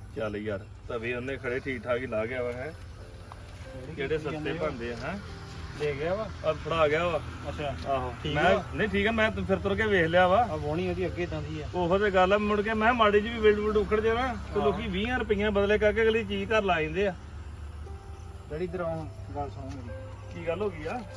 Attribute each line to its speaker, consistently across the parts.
Speaker 1: ਚੱਲ ਯਾਰ ਤਵੇ ਉਹਨੇ ਖੜੇ ਠੀਕ ਠਾਕ ਹੀ ਲਾ ਗਿਆ ਵਾ ਹੈ ਕਿਹੜੇ ਸਸਤੇ ਬਣਦੇ ਆ ਹੈ
Speaker 2: ਲੈ ਗਿਆ ਵਾ
Speaker 1: ਆ ਫੜਾ ਗਿਆ ਵਾ
Speaker 2: ਅੱਛਾ
Speaker 1: ਆਹੋ
Speaker 2: ਠੀਕ
Speaker 1: ਮੈਂ
Speaker 2: ਆ।
Speaker 1: ਨਹੀਂ ਠੀਕ ਆ ਮੈਂ ਫਿਰ ਤੁਰ ਕੇ ਵੇਖ ਲਿਆ ਵਾ
Speaker 2: ਆ ਵੋਣੀ ਉਹਦੀ ਅੱਗੇ ਤਾਂ ਦੀ ਆ
Speaker 1: ਉਹੋ ਤੇ ਗੱਲ ਆ ਮੁੜ ਕੇ ਮੈਂ ਮਾੜੀ ਜੀ ਵੀ ਵਿਲਡ ਉਖੜ ਜੇ ਨਾ ਤੇ ਲੋਕੀ 20 ਰੁਪਈਆ ਬਦਲੇ ਕਰਕੇ ਅਗਲੀ ਚੀਜ਼ ਘਰ ਲਾ ਜਾਂਦੇ ਆ
Speaker 2: ਡੈਡੀ ਇਧਰ ਆਉਂ ਗੱਲ ਸੁਣੋ ਮੇਰੀ
Speaker 1: ਕੀ ਗੱਲ ਹੋ ਗਈ ਆ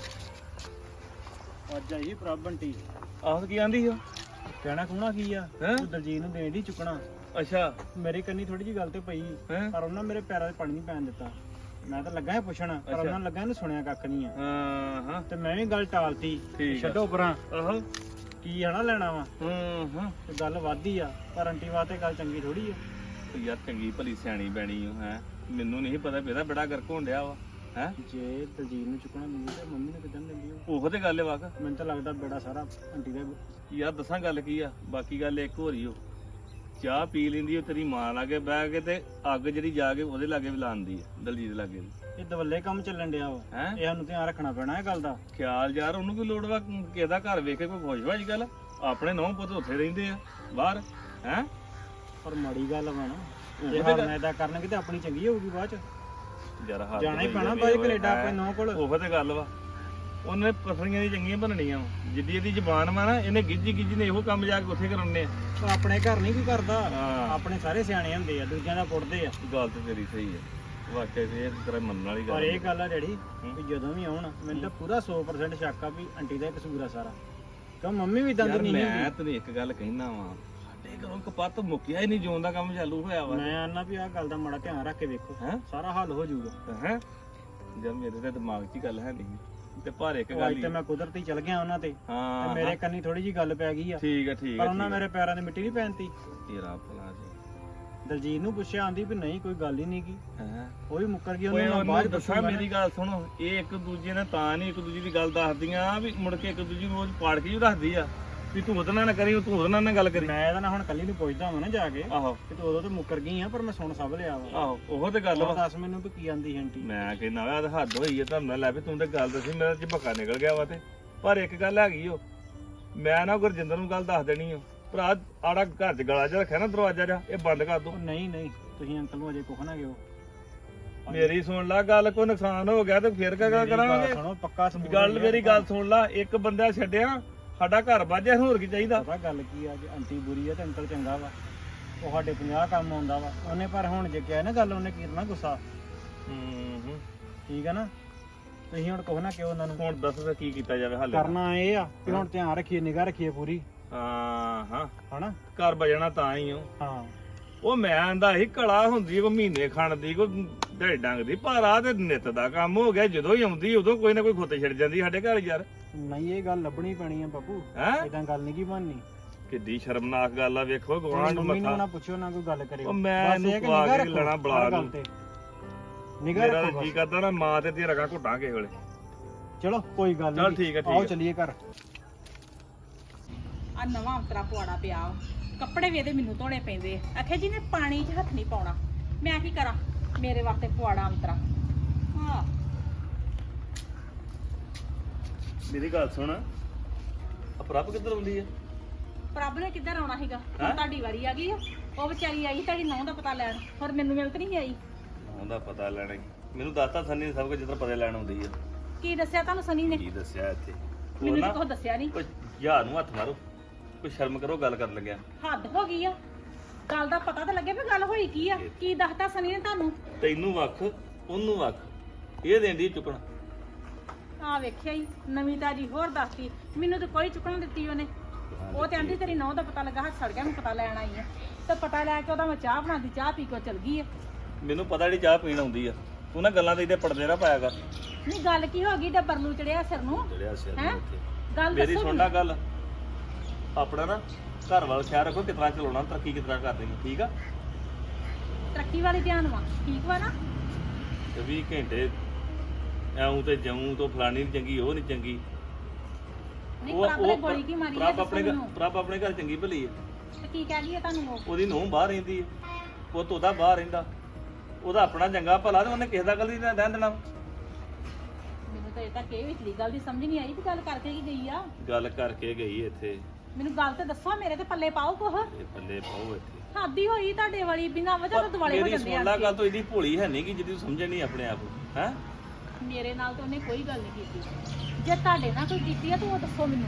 Speaker 2: ਅੱਜ ਆਈ ਪ੍ਰਭ ਬੰਟੀ
Speaker 1: ਆਹ ਕੀ ਆਂਦੀ ਆ
Speaker 2: ਕਹਿਣਾ ਕਹਣਾ ਕੀ ਆ
Speaker 1: ਹੈਂ?
Speaker 2: ਤੂੰ ਦਲਜੀਤ ਨੂੰ ਦੇਣ ਦੀ ਚੁੱਕਣਾ
Speaker 1: ਅੱਛਾ
Speaker 2: ਮੇਰੇ ਕੰਨੀ ਥੋੜੀ ਜੀ ਗੱਲ ਤੇ ਪਈ
Speaker 1: ਹੈਂ?
Speaker 2: ਪਰ ਉਹਨਾਂ ਮੇਰੇ ਪੈਰਾਂ 'ਚ ਪਾਣੀ ਨਹੀਂ ਪੈਣ ਦਿੱਤਾ ਮੈਂ ਤਾਂ ਲੱਗਾ ਹੈ ਪੁੱਛਣ ਪਰ
Speaker 1: ਅੱਛਾ।
Speaker 2: ਉਹਨਾਂ ਨੂੰ ਲੱਗਾ ਇਹਨੂੰ ਸੁਣਿਆ ਕੱਖ ਨਹੀਂ ਆ
Speaker 1: ਹਾਂ ਹਾਂ
Speaker 2: ਤੇ ਮੈਂ ਵੀ ਗੱਲ ਟਾਲਤੀ
Speaker 1: ਠੀਕ ਆ।
Speaker 2: ਛੱਡੋ ਪਰਾਂ
Speaker 1: ਆਹੋ
Speaker 2: ਕੀ ਹਨਾ ਲੈਣਾ ਵਾ
Speaker 1: ਹਾਂ
Speaker 2: ਤੇ ਗੱਲ ਵੱਧਦੀ ਆ ਪਰ ਆਂਟੀ ਵਾਸਤੇ ਗੱਲ ਚੰਗੀ ਥੋੜੀ ਆ
Speaker 1: ਯਾਰ ਚੰਗੀ ਭਲੀ ਸਿਆਣੀ ਬੈਣੀ ਹੋ ਹੈ ਮੈਨੂੰ ਨਹੀਂ ਪਤਾ ਵੀ ਇਹਦਾ ਬੜਾ ਗਰਕ ਹੋਣ ਡਿਆ ਵਾ ਹੈ
Speaker 2: ਜੇ ਦਲਜੀਤ ਨੂੰ ਚੁੱਕਣਾ ਨਹੀਂ ਤੇ ਮੰਮੀ ਨੇ ਕਿਦਾਂ ਦਿੰਦੀ ਉਹ
Speaker 1: ਉਹੋ ਤੇ ਗੱਲ ਹੈ ਵਾਕ
Speaker 2: ਮੈਨੂੰ ਤਾਂ ਲੱਗਦਾ ਬੇੜਾ ਸਾਰਾ ਆਂਟੀ ਦਾ
Speaker 1: ਯਾਰ ਦੱਸਾਂ ਗੱਲ ਕੀ ਆ ਬਾਕੀ ਗੱਲ ਇੱਕ ਹੋ ਰਹੀ ਓ ਚਾਹ ਪੀ ਲੈਂਦੀ ਉਹ ਤੇਰੀ ਮਾਂ ਲਾਗੇ ਬਹਿ ਕੇ ਤੇ ਅੱਗ ਜਿਹੜੀ ਜਾ ਕੇ ਉਹਦੇ ਲਾਗੇ ਵੀ ਲਾਉਂਦੀ ਆ ਦਲਜੀਤ ਲਾਗੇ ਵੀ
Speaker 2: ਇਹ ਦਵੱਲੇ ਕੰਮ ਚੱਲਣ ਡਿਆ ਵਾ
Speaker 1: ਹੈ
Speaker 2: ਇਹ ਸਾਨੂੰ ਧਿਆਨ ਰੱਖਣਾ ਪੈਣਾ ਇਹ ਗੱਲ ਦਾ
Speaker 1: ਖਿਆਲ ਯਾਰ ਉਹਨੂੰ ਕੀ ਲੋੜ ਵਾ ਕਿਸੇ ਦਾ ਘਰ ਵੇਖ ਕੇ ਕੋਈ ਖੁਸ਼ ਵਾ ਅੱਜ ਕੱਲ ਆਪਣੇ ਨੌਂ ਪੁੱਤ ਉੱਥੇ ਰਹਿੰਦੇ ਆ ਬਾਹਰ ਹੈ
Speaker 2: ਪਰ ਮਾੜੀ ਗੱਲ ਵਾ ਨਾ
Speaker 1: ਉਹ
Speaker 2: ਜੇ
Speaker 1: ਤੇ
Speaker 2: ਹਾਂ
Speaker 1: ਗੱਲ-
Speaker 2: ਮੈਂ ਇਦਾਂ ਕਰਨਗੇ ਤੇ ਆਪਣੀ ਚੰਗੀ ਹੋਊਗੀ ਬਾਅਦ ਚ
Speaker 1: ਯਾਰ ਹੱਥ
Speaker 2: ਜਾਣਾ ਹੀ
Speaker 1: ਹੋਈ
Speaker 2: ਪੈਣਾ
Speaker 1: ਜਾਵੇ
Speaker 2: ਬਾਈ
Speaker 1: ਓਏ,
Speaker 2: ਕੈਨੇਡਾ
Speaker 1: ਹੈਂ।
Speaker 2: ਆਪਣੇ ਨੌ ਕੋਲ
Speaker 1: ਉਹੋ ਤੇ ਗੱਲ ਵਾ ਉਹਨੇ ਪਸਲੀਆਂ ਦੀ ਚੰਗੀਆਂ ਬਣਨੀਆਂ ਵਾ ਜਿੱਦੀ ਇਹਦੀ ਜ਼ਬਾਨ ਵਾ ਨਾ ਇਹਨੇ ਗਿੱਜੀ ਨੇ ਇਹੋ ਕੰਮ ਜਾ ਕੇ ਉੱਥੇ ਕਰਾਉਣੇ ਆ
Speaker 2: ਉਹ ਆਪਣੇ ਘਰ ਨਹੀਂ ਕੋਈ ਕਰਦਾ
Speaker 1: ਹਾਂ।
Speaker 2: ਆਪਣੇ ਸਾਰੇ ਸਿਆਣੇ ਹੁੰਦੇ ਆ ਦੂਜਿਆਂ ਦਾ ਪੁੱਟਦੇ ਆ
Speaker 1: ਗੱਲ ਤੇ ਤੇਰੀ ਸਹੀ ਹੈ ਵਾਕਿਆ ਇਹ ਤੇਰਾ ਮੰਨਣ ਵਾਲੀ
Speaker 2: ਪਰ
Speaker 1: ਗੱਲ
Speaker 2: ਇਹ ਗੱਲ ਆ ਡੈਡੀ
Speaker 1: ਹੂੰ।
Speaker 2: ਵੀ ਜਦੋਂ ਵੀ ਆਉਣ ਮੈਨੂੰ ਤਾਂ ਪੂਰਾ 100% ਸ਼ੱਕ ਆ ਵੀ ਆਂਟੀ ਦਾ ਹੀ ਕਸੂਰ ਆ ਸਾਰਾ ਕਿਉਂ ਮੰਮੀ ਵੀ ਦੰਦ
Speaker 1: ਯਾਰ
Speaker 2: ਨਹੀਂ
Speaker 1: ਮੈਂ
Speaker 2: ਹੁੰਦੀ
Speaker 1: ਤੈਨੂੰ ਇੱਕ ਗੱਲ ਕਹਿਣਾ ਵਾ ਸਾਡੇ ਘਰੋਂ ਕਪੱਤ ਮੁੱਕਿਆ ਹੀ ਨਹੀਂ ਜਿਉਣ ਦਾ ਕੰਮ ਚਾਲੂ ਹੋਇਆ ਵਾ
Speaker 2: ਮੈਂ ਆਨਾ ਵੀ ਆਹ ਗੱਲ ਦਾ ਮਾੜਾ ਧਿਆਨ ਰੱਖ ਕੇ ਵੇਖੋ
Speaker 1: ਹੈ
Speaker 2: ਸਾਰਾ ਹੱਲ ਹੋ ਜਾਊਗਾ
Speaker 1: ਹੈ ਜਦ ਮੇਰੇ ਤੇ ਦਿਮਾਗ 'ਚ ਹੀ ਗੱਲ ਹੈ ਨਹੀਂ ਤੇ ਪਰ ਇੱਕ
Speaker 2: ਉਹ
Speaker 1: ਗੱਲ
Speaker 2: ਅੱਜ
Speaker 1: ਹੀ
Speaker 2: ਤੇ ਮੈਂ ਕੁਦਰਤੀ ਚਲ ਗਿਆ ਉਹਨਾਂ ਤੇ
Speaker 1: ਹਾਂ
Speaker 2: ਤੇ ਮੇਰੇ ਕੰਨੀ ਥੋੜੀ ਜੀ ਗੱਲ ਪੈ ਗਈ ਆ
Speaker 1: ਠੀਕ ਹੈ ਠੀਕ
Speaker 2: ਪਰ
Speaker 1: ਹੈ
Speaker 2: ਉਹਨਾਂ ਮੇਰੇ ਪੈਰਾਂ 'ਤੇ ਮਿੱਟੀ ਨਹੀਂ ਪੈਣਤੀ
Speaker 1: ਤੇਰਾ ਭਲਾ ਜੀ
Speaker 2: ਦਲਜੀਤ ਨੂੰ ਪੁੱਛਿਆ ਆਂਦੀ ਵੀ ਨਹੀਂ ਕੋਈ ਗੱਲ ਹੀ ਨਹੀਂ ਕੀ
Speaker 1: ਹੈ
Speaker 2: ਉਹ ਵੀ ਮੁੱਕਰ ਗਈ
Speaker 1: ਓਏ
Speaker 2: ਉਹਨੂੰ ਮੈਂ
Speaker 1: ਉਹਨੂੰ
Speaker 2: ਬਾਅਦ
Speaker 1: ਦੱਸਾਂ
Speaker 2: ਦੱਸਾਂ
Speaker 1: ਮੇਰੀ ਗੱਲ ਸੁਣੋ ਇਹ ਇੱਕ ਦੂਜੇ ਨੇ ਤਾਂ ਨਹੀਂ ਇੱਕ ਦੂਜੇ ਦੀ ਗੱਲ ਦੱਸਦੀਆਂ ਵੀ ਮੁੜ ਕੇ ਇੱਕ ਦੂਜੀ ਨੂੰ ਰੋਜ਼ ਪਾੜ ਕੇ ਹੀ ਰੱਖਦੀ ਆ ਵੀ ਤੂੰ ਉਹਦੇ ਨਾਲ ਨਾ ਕਰੀ ਤੂੰ ਉਹਦੇ ਨਾਲ ਨਾ ਗੱਲ ਕਰੀ
Speaker 2: ਮੈਂ ਇਹਦਾ ਨਾ ਹੁਣ ਕੱਲੀ ਨੂੰ ਪੁੱਛਦਾ ਹਾਂ ਨਾ ਜਾ ਕੇ
Speaker 1: ਆਹੋ
Speaker 2: ਕਿ ਤੂੰ ਉਦੋਂ ਤੇ ਮੁੱਕਰ ਗਈ ਆ ਪਰ ਮੈਂ ਸੁਣ ਸਭ ਲਿਆ ਵਾ
Speaker 1: ਆਹੋ ਉਹੋ ਤੇ ਗੱਲ
Speaker 2: ਹੁਣ
Speaker 1: ਵਾ
Speaker 2: ਦੱਸ ਮੈਨੂੰ ਵੀ ਕੀ ਆਂਦੀ ਆਂਟੀ
Speaker 1: ਮੈਂ ਕਹਿੰਦਾ ਵਾ ਹੱਦ ਹੋਈ ਹੈ ਤੁਹਾਨੂੰ ਲੈ ਵੀ ਤੂੰ ਤੇ ਗੱਲ ਦੱਸੀ ਮੇਰਾ ਝਪਕਾ ਨਿਕਲ ਗਿਆ ਵਾ ਤੇ ਪਰ ਇੱਕ ਗੱਲ ਹੈਗੀ ਓ ਮੈਂ ਨਾ ਗੁਰਜਿੰਦਰ ਨੂੰ ਗੱਲ ਦੱਸ ਦੇਣੀ ਓ ਭਰਾ ਆੜਾ ਘਰ 'ਚ ਗਲਾ ਜਿਹਾ ਰੱਖਿਆ ਨਾ ਦਰਵਾਜ਼ਾ ਜਿਹਾ ਇਹ ਬੰਦ ਕਰ ਦੋ
Speaker 2: ਉਹ ਨਹੀਂ ਤੁਸੀਂ ਅੰਕਲ ਨੂੰ ਅਜੇ ਕੁਖ ਨਾ ਗਿਓ
Speaker 1: ਮੇਰੀ ਸੁਣ ਲੈ ਗੱਲ ਕੋਈ ਨੁਕਸਾਨ ਹੋ ਗਿਆ ਤੇ ਫਿਰ ਕਿਆ
Speaker 2: ਮੇਰੀ ਗੱਲ
Speaker 1: ਕਰਾਂਗੇ
Speaker 2: ਸੁਣੋ ਪੱਕਾ ਸਬੂਤ
Speaker 1: ਗੱਲ
Speaker 2: ਹੈ।
Speaker 1: ਮੇਰੀ ਗੱਲ ਸੁਣ ਲੈ ਇੱਕ ਬੰਦਾ ਛੱਡਿਆ ਸਾਡਾ ਘਰ ਵਾਜਿਆ ਹੋਰ ਕੀ ਚਾਹੀਦਾ
Speaker 2: ਪਤਾ ਗੱਲ ਕੀ ਆ ਜੇ ਆਂਟੀ ਬੁਰੀ ਆ ਤੇ ਅੰਕਲ ਚੰਗਾ ਵਾ ਉਹ ਸਾਡੇ 50 ਕੰਮ ਆਉਂਦਾ ਵਾ ਉਹਨੇ ਪਰ ਹੁਣ ਜੇ ਕਿਹਾ ਨਾ ਗੱਲ ਉਹਨੇ ਕਰਨਾ ਗੁੱਸਾ
Speaker 1: ਹੂੰ
Speaker 2: ਠੀਕ ਆ ਨਾ ਤੁਸੀਂ ਹੁਣ ਕੁਖ ਨਾ ਕਿਉਂ ਉਹਨਾਂ ਨੂੰ
Speaker 1: ਹੁਣ ਦੱਸ ਫਿਰ ਕੀ ਕੀਤਾ ਜਾਵੇ ਹਾਲੇ
Speaker 2: ਕਰਨਾ ਇਹ ਆ ਕਿ ਹੁਣ ਧਿਆਨ ਰੱਖੀਏ ਨਿਗਾਹ ਰੱਖੀਏ ਪੂਰੀ
Speaker 1: ਹਾਂ
Speaker 2: ਹਨਾ
Speaker 1: ਘਰ ਵਜਣਾ ਤਾਂ ਹੀ ਓ
Speaker 2: ਹਾਂ
Speaker 1: ਉਹ ਮੈਂ ਆਂਦਾ ਸੀ ਕਲਾ ਹੁੰਦੀ ਕੋਈ ਮਹੀਨੇ ਖਾਣ ਦੀ ਕੋਈ ਢੇ ਡੰਗ ਦੀ ਪਰ ਆ ਤੇ ਨਿੱਤ ਦਾ ਕੰਮ ਹੋ ਗਿਆ ਜਦੋਂ ਹੀ ਆਉਂਦੀ ਉਦੋਂ ਕੋਈ ਨਾ ਕੋਈ ਖੋਤੇ ਛੱਡ ਜਾਂਦੀ ਸਾਡੇ ਘਰ ਯਾਰ
Speaker 2: ਨਹੀਂ ਇਹ ਗੱਲ ਲੱਭਣੀ ਪੈਣੀ ਆ ਬਾਪੂ
Speaker 1: ਹੈ
Speaker 2: ਇਦਾਂ ਗੱਲ ਨਹੀਂ ਕੀ ਬਣਨੀ
Speaker 1: ਕਿੱਡੀ ਸ਼ਰਮਨਾਕ ਗੱਲ ਆ ਵੇਖੋ ਗਵਾਂਢ
Speaker 2: ਮੰਮੀ ਨੂੰ
Speaker 1: ਮੱਥਾ
Speaker 2: ਨਾ ਪੁੱਛੋ ਨਾ ਕੋਈ ਗੱਲ ਕਰਿਓ
Speaker 1: ਉਹ ਮੈਂ
Speaker 2: ਬਸ
Speaker 1: ਇਹਨੂੰ
Speaker 2: ਇਹ ਕਿ
Speaker 1: ਪਵਾ
Speaker 2: ਨਿਗਾਹ
Speaker 1: ਕੇ
Speaker 2: ਰੱਖੋ
Speaker 1: ਲੈਣਾ ਬੁਲਾ
Speaker 2: ਹਰ ਗੱਲ
Speaker 1: ਨੂੰ।
Speaker 2: ਤੇ। ਨਿਗਾਹ
Speaker 1: ਮੇਰਾ
Speaker 2: ਰੱਖੋ
Speaker 1: ਜੀ
Speaker 2: ਬਸ।
Speaker 1: ਕਰਦਾ ਨਾ ਮਾਂ ਤੇ ਰਗਾ ਘੁੱਟਾਂ ਕਿਸੇ ਵੇਲੇ
Speaker 2: ਚਲੋ ਕੋਈ ਗੱਲ
Speaker 1: ਚੱਲ
Speaker 2: ਨਹੀਂ
Speaker 1: ਠੀਕ ਹੈ, ਠੀਕ
Speaker 2: ਆਓ
Speaker 1: ਹੈ।
Speaker 2: ਚੱਲੀਏ ਘਰ
Speaker 3: ਆ ਨਵਾਂ ਅੰਤਰਾ ਪੁਆੜਾ ਪਿਆ ਵਾ। ਕੱਪੜੇ ਵੀ ਇਹਦੇ ਮੈਨੂੰ ਧੋਣੇ ਪੈਂਦੇ ਆ ਆਖੇ ਜੀ ਨੇ ਪਾਣੀ 'ਚ ਹੱਥ ਨਹੀਂ ਪਾਉਣਾ ਮੈਂ ਕੀ ਕਰਾਂ ਮੇਰੇ ਵਾਸਤੇ ਪੁਆੜਾ ਅੰਤਰਾ ਹਾਂ
Speaker 1: ਮੇਰੀ ਗੱਲ ਸੁਣ ਅਪਰਪ ਕਿੱਧਰ ਹੁੰਦੀ ਆ
Speaker 3: ਪ੍ਰਭ ਨੇ ਕਿੱਧਰ ਆਉਣਾ ਸੀਗਾ ਹੁਣ
Speaker 1: ਹੈਂ?
Speaker 3: ਤੁਹਾਡੀ ਵਾਰੀ ਆ ਗਈ ਆ ਉਹ ਵਿਚਾਰੀ ਆਈ ਤੁਹਾਡੀ ਨਹੁੰ ਦਾ ਪਤਾ ਲੈਣ ਹੋਰ ਮੈਨੂੰ ਮਿਲ ਤਾਂ ਨਹੀਂ ਆਈ
Speaker 1: ਉਹਦਾ ਪਤਾ ਲੈਣਾ ਈ। ਮੈਨੂੰ ਦੱਸਤਾ ਸੰਨੀ ਨੇ ਸਭ ਕੁਝ ਜਿੱਦਾਂ ਪਤਾ ਲੈਣ ਆਉਂਦੀ ਆ
Speaker 3: ਕੀ ਦੱਸਿਆ ਤੁਹਾਨੂੰ ਸਨੀ ਨੇ
Speaker 1: ਕੀ ਦੱਸਿਆ ਇੱਥੇ ਉਹ
Speaker 3: ਮੈਨੂੰ
Speaker 1: ਨਾ
Speaker 3: ਤਾਂ ਕੁਛ ਦੱਸਿਆ ਨਹੀਂ
Speaker 1: ਕੋਈ ਯਾਰ ਨੂੰ ਹੱਥ ਮਾਰੋ ਕੋਈ ਸ਼ਰਮ ਕਰੋ ਗੱਲ ਕਰਨ ਲੱਗਿਆ
Speaker 3: ਹੱਦ ਹੋ ਗਈ ਆ ਗੱਲ ਦਾ ਪਤਾ ਤਾਂ ਲੱਗੇ ਵੀ ਗੱਲ ਹੋਈ ਕੀ ਆ ਕੀ ਦੱਸਤਾ ਸਨੀ ਨੇ ਤੁਹਾਨੂੰ
Speaker 1: ਤੈਨੂੰ ਵੱਖ ਉਹਨੂੰ ਵੱਖ ਇਹ ਦੇਂਦੀ ਚੁੱਕਣ
Speaker 3: ਆ ਵੇਖਿਆ ਹੀ ਨਵੀਂ ਤਾਜੀ ਹੋਰ ਦੱਸਤੀ ਮੈਨੂੰ ਤਾਂ ਕੋਈ ਚੁੱਕਣ ਦਿੱਤੀ ਉਹਨੇ ਉਹ ਤੇ ਆਂਦੀ ਤੇਰੀ ਨਹੁੰ ਦਾ ਪਤਾ ਲੱਗਾ ਹੱਥ ਸੜ ਗਿਆ ਮੈਂ ਪਤਾ ਲੈਣ ਆਈ ਆ ਤੇ ਪਤਾ ਲੈ ਕੇ ਉਹਦਾ ਮੈਂ ਚਾਹ ਬਣਾਦੀ ਚਾਹ ਪੀ ਕੇ ਉਹ ਚਲ ਗਈ ਆ
Speaker 1: ਮੈਨੂੰ ਪਤਾ ਨਹੀਂ ਚਾਹ ਪੀਣ ਆਉਂਦੀ ਆ ਤੂੰ ਨਾ ਗੱਲਾਂ ਤੇ ਇਹਦੇ ਪੜਦੇ ਨਾ ਪਾਇਆ ਕਰ
Speaker 3: ਨਹੀਂ ਗੱਲ ਕੀ ਹੋ ਗਈ ਡੱਬਰ ਨੂੰ ਚੜਿਆ ਸਿਰ ਨੂੰ
Speaker 1: ਜਿਹੜਿਆ ਸਿਰ
Speaker 3: ਹੈਂ?
Speaker 1: ਨੂੰ ਉੱਥੇ
Speaker 3: ਗੱਲ
Speaker 1: ਮੇਰੀ
Speaker 3: ਦੱਸੋ
Speaker 1: ਸੁਣ ਲੈ ਗੱਲ ਆਪਣਾ ਨਾ ਘਰ ਵੱਲ ਖਿਆਲ ਰੱਖੋ ਕਿਤਨਾ ਚਲਾਉਣਾ ਤਰੱਕੀ ਕਿਤਨਾ ਕਰਦੇ ਨੇ ਠੀਕ ਆ
Speaker 3: ਤਰੱਕੀ ਵਾਲੀ ਧਿਆਨ ਵਾ ਠੀਕ ਵਾ ਨਾ
Speaker 1: ਤੇ 20 ਘੰਟੇ ਐਉਂ ਤੇ ਜਉਂ ਤੋਂ ਫਲਾਣੀ ਨਹੀਂ ਚੰਗੀ ਉਹ ਨਹੀਂ ਚੰਗੀ
Speaker 3: ਨਹੀਂ ਪ੍ਰਭ ਨੇ ਗੋਲੀ ਕੀ ਮਾਰੀ ਆ
Speaker 1: ਪ੍ਰਭ ਆਪਣੇ
Speaker 3: ਦੱਸੋ ਮੈਨੂੰ
Speaker 1: ਪ੍ਰਭ ਆਪਣੇ ਘਰ ਚੰਗੀ ਭਲੀ ਹੈ
Speaker 3: ਤੇ ਕੀ ਕਹਿ ਗਈ ਆ ਤੁਹਾਨੂੰ ਉਹ
Speaker 1: ਉਹਦੀ ਨੂੰਹ ਬਾਹਰ ਰਹਿੰਦੀ ਹੈ ਪੁੱਤ ਉਹਦਾ ਬਾਹਰ ਰਹਿੰਦਾ ਉਹਦਾ ਆਪਣਾ ਚੰਗਾ ਭਲਾ ਤੇ ਉਹਨੇ ਕਿਸੇ ਦਾ ਗੱਲ ਨਹੀਂ ਰਹਿਣ ਦੇਣਾ
Speaker 3: ਮੈਨੂੰ ਤਾਂ ਇਹ ਤਾਂ ਕਿ ਵਿਚਲੀ ਗੱਲ ਦੀ ਸਮਝ ਨਹੀਂ ਆਈ ਵੀ ਗੱਲ ਕਰਕੇ ਕੀ ਗਈ ਆ
Speaker 1: ਗੱਲ ਕਰਕੇ ਗਈ ਇੱਥੇ
Speaker 3: ਮੈਨੂੰ ਗੱਲ ਤੇ ਦੱਸੋ ਮੇਰੇ ਤੇ ਪੱਲੇ ਪਾਓ ਕੁਛ
Speaker 1: ਇਹ ਪੱਲੇ ਪਾਓ ਇੱਥੇ
Speaker 3: ਹਾਦੀ ਹੋਈ ਤੁਹਾਡੇ ਵਾਲੀ ਬਿਨਾਂ ਵਜ੍ਹਾ ਤੋਂ ਦਿਵਾਲੇ ਹੋ
Speaker 1: ਮੇਰੀ
Speaker 3: ਜਾਂਦੇ
Speaker 1: ਸੁਣ ਲਾ
Speaker 3: ਆ
Speaker 1: ਗੱਲ ਤੋਂ ਇਹਦੀ ਭੋਲੀ ਹੈ ਨਹੀਂ ਕਿ ਜਿਹਦੀ ਤੂੰ ਸਮਝਣ ਨਹੀਂ ਆਪਣੇ ਆਪ ਨੂੰ ਹੈ।
Speaker 3: ਮੇਰੇ ਨਾਲ ਤਾਂ ਉਹਨੇ ਕੋਈ ਗੱਲ ਨਹੀਂ ਕੀਤੀ। ਜੇ ਤੁਹਾਡੇ ਨਾਲ ਕੋਈ ਕੀਤੀ ਆ ਤਾਂ ਉਹ ਦੱਸੋ ਮੈਨੂੰ।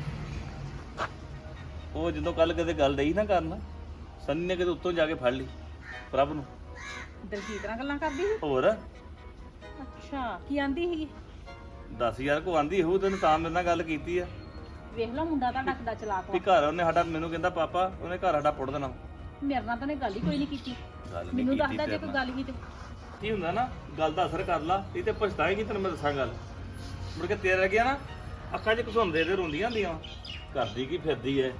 Speaker 1: ਉਹ ਜਦੋਂ ਕੱਲ ਕਦੇ ਗੱਲ ਡਈ ਨਾ ਕਰਨ, ਸੰਨੀ ਨੇ ਕਿਤੇ ਉੱਤੋਂ ਜਾ ਕੇ ਫੜ ਲਈ ਪ੍ਰਭ ਨੂੰ।
Speaker 3: ਦਲਜੀਤ ਨਾਲ ਗੱਲਾਂ ਕਰਦੀ ਸੀ?
Speaker 1: ਹੋਰ
Speaker 3: ਅੱਛਾ, ਕੀ ਆਂਦੀ ਸੀ?
Speaker 1: ਦੱਸ ਯਾਰ ਕੋ ਆਂਦੀ ਹੋਊ ਤੈਨੂੰ ਤਾਂ ਮੇਰੇ ਨਾਲ ਗੱਲ ਕੀਤੀ ਆ
Speaker 3: ਵੇਖ ਲਓ ਮੁੰਡਾ ਤੁਹਾਡਾ ਕਿੱਦਾਂ ਚਲਾਕ
Speaker 1: ਵੀ
Speaker 3: ਵਾ।
Speaker 1: ਘਰ ਉਹਨੇ ਸਾਡਾ, ਮੈਨੂੰ ਕਹਿੰਦਾ ਪਾਪਾ ਉਹਨੇ ਘਰ ਸਾਡਾ ਪੁੱਟ ਦੇਣਾ।
Speaker 3: ਮੇਰੇ ਨਾਲ ਤਾਂ ਉਹਨੇ ਗੱਲ ਹੀ ਕੋਈ ਨਹੀਂ ਕੀਤੀ।
Speaker 1: ਗੱਲ ਨੀ
Speaker 3: ਮੈਨੂੰ
Speaker 1: ਕੀਤੀ
Speaker 3: ਦੱਸਦਾ ਜੇ
Speaker 1: ਤੇਰੇ
Speaker 3: ਕੋਈ
Speaker 1: ਨਾਲ।
Speaker 3: ਗੱਲ ਹੀ ਤੇ
Speaker 1: ਕੀ ਹੁੰਦਾ ਨਾ, ਗੱਲ ਦਾ ਅਸਰ ਕਰ ਲਾ, ਇਹ ਤੇ ਪਛਤਾਏਗੀ ਤੈਨੂੰ ਮੈਂ ਦੱਸਾਂ ਗੱਲ। ਮੁੜ ਕੇ ਤੇਰੇ ਲੱਗਿਆ ਨਾ ਅੱਖਾਂ 'ਚ ਘਸੁੰਦੇ ਤੇ ਰੋਂਦੀਆਂ ਹੁੰਦੀਆਂ, ਕਰਦੀ ਕੀ ਫਿਰਦੀ ਐ।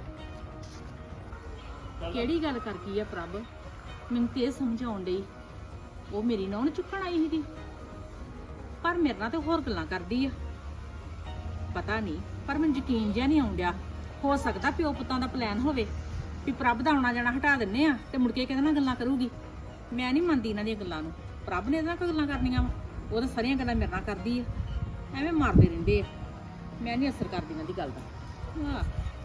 Speaker 3: ਕਿਹੜੀ ਗੱਲ ਕਰ ਗਈ ਆ ਪ੍ਰਭ? ਮੈਨੂੰ ਤੇ ਇਹ ਸਮਝਾਉਣ ਡਈ ਉਹ ਮੇਰੀ ਨੌਂ ਨੂੰ ਚੁੱਕਣ ਆਈ ਸੀਗੀ, ਪਰ ਮੇਰੇ ਨਾਲ ਤੇ ਹੋਰ ਗੱਲਾਂ ਕਰਦੀ ਆ। ਪਤਾ ਨਹੀਂ, ਪਰ ਮੈਨੂੰ ਯਕੀਨ ਜਿਹਾ ਨਹੀਂ ਆਉਣ ਡਿਆ। ਹੋ ਸਕਦਾ ਪਿਓ ਪੁੱਤਾਂ ਦਾ ਪਲਾਨ ਹੋਵੇ ਵੀ ਪ੍ਰਭ ਦਾ ਆਉਣਾ ਜਾਣਾ ਹਟਾ ਦਿੰਨੇ ਆ ਤੇ ਮੁੜ ਕੇ ਕਿਹਦੇ ਨਾਲ ਗੱਲਾਂ ਕਰੂਗੀ। ਮੈਂ ਨਹੀਂ ਮੰਨਦੀ ਇਹਨਾਂ ਦੀਆਂ ਗੱਲਾਂ ਨੂੰ। ਪ੍ਰਭ ਨੇ ਇਹਦੇ ਨਾਲ ਕੋਈ ਗੱਲਾਂ ਕਰਨੀਆਂ ਵਾ? ਉਹ ਤਾਂ ਸਾਰੀਆਂ ਗੱਲਾਂ ਮੇਰੇ ਨਾਲ ਕਰਦੀ ਆ, ਐਵੇਂ ਮਾਰਦੇ ਰਹਿੰਦੇ ਆ। ਮੈਂ ਨਹੀਂ ਅਸਰ ਕਰਦੀ ਇਹਨਾਂ ਦੀ ਗੱਲ ਦਾ।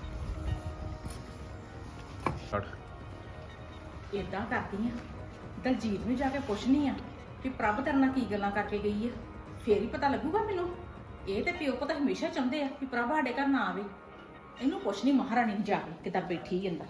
Speaker 3: ਏਦਾਂ ਕਰਦੀ ਆ, ਦਲਜੀਤ ਨੂੰ ਜਾ ਕੇ ਪੁੱਛਣੀ ਆ ਕਿ ਪ੍ਰਭ ਤੇਰੇ ਨਾਲ ਕੀ ਗੱਲਾਂ ਕਰਕੇ ਗਈ ਆ, ਫੇਰ ਹੀ ਪਤਾ ਲੱਗੂਗਾ ਮੈਨੂੰ। ਇਹ ਤੇ ਪਿਓ ਪੁੱਤ ਹਮੇਸ਼ਾ ਚਾਹੁੰਦੇ ਆ ਕਿ ਪ੍ਰਭ ਸਾਡੇ ਘਰ ਨਾ ਆਵੇ। ਇਹਨੂੰ ਪੁੱਛਣੀ ਮਹਾਰਾਣੀ ਨੂੰ ਜਾ ਕੇ ਕਿੱਦਾਂ ਬੈਠੀ ਅੰਦਰ।